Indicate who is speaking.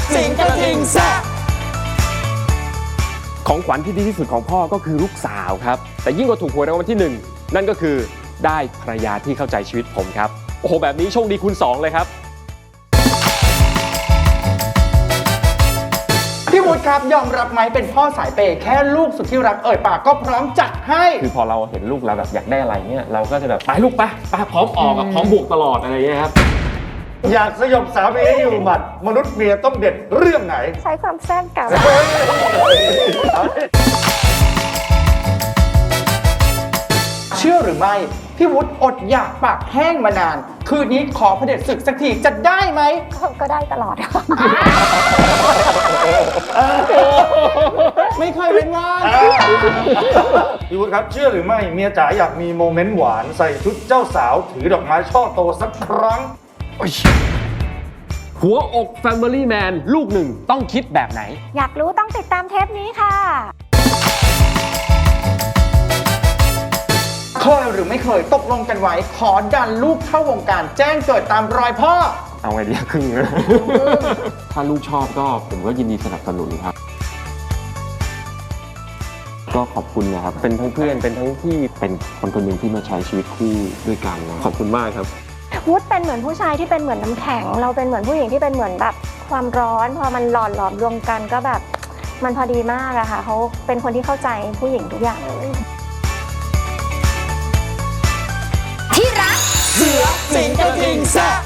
Speaker 1: สิงกระทิงแซ่บ
Speaker 2: ของขวัญที่ดีที่สุดของพ่อก็คือลูกสาวครับแต่ยิ่งกว่าถูกหวยรางวัลที่1นั่นก็คือได้ภรรยาที่เข้าใจชีวิตผมครับโอ้โหแบบนี้โชคดีคูณ2เลยครับ
Speaker 1: พี่วุฒิครับยอมรับไหมเป็นพ่อสายเปย์แค่ลูกสุดที่รักเอ่ยปากก็พร้อมจัดให้
Speaker 2: คือพอเราเห็นลูกเราแบบอยากได้อะไรเนี่ยเราก็จะแบบไปลูกไปพร้อมออกพร้อมบวกตลอดอะไรอย่างเงี้ยครับ
Speaker 3: อยากสยบสามีให้อยู่หมัดมนุษย์เมียต้องเด็ดเรื่องไหน
Speaker 4: ใช้ความแซ่บกับ
Speaker 1: เชื่อหรือไม่พี่วุฒิอดอยากปากแห้งมานาน คืนนี้ขอเผด็จศึกสักทีจะได้ไหม
Speaker 4: ก็ได้ตลอด
Speaker 1: ไม่เคยเป็นงาน
Speaker 3: พี่วุฒิครับเชื่อหรือไม่เมียจ๋าอยากมีโมเมนต์หวานใส่ชุดเจ้าสาวถือดอกไม้ช่อโตสักครั้ง
Speaker 2: หัวอก Family Man ลูกหนึ่งต้องคิดแบบไหน
Speaker 4: อยากรู้ต้องติดตามเทปนี้ค่ะ
Speaker 1: เคยหรือไม่เคยตกลงกันไว้ขอดันลูกเข้าวงการแจ้งเกิดตามรอยพ่อ
Speaker 2: เอาไงดีครึ่งนะ ถ้าลูกชอบก็ผมก็ยินดีสนับสนุนครับ ก็ขอบคุณนะครับ เป็นทั้งเพื่อนเป็นทั้งที่เป็นคนคนหนึ่งที่มาใช้ชีวิตคู่ด้วยกันนะขอบคุณมากครับ
Speaker 4: วุฒิเป็นเหมือนผู้ชายที่เป็นเหมือนน้ำแข็ง เราเป็นเหมือนผู้หญิงที่เป็นเหมือนแบบความร้อน พอมันหลอมรวมกันก็แบบมันพอดีมากอะค่ะเขาเป็นคนที่เข้าใจผู้หญิงทุกอย่างเลย
Speaker 1: เสือสิงกระทิงแซ่บ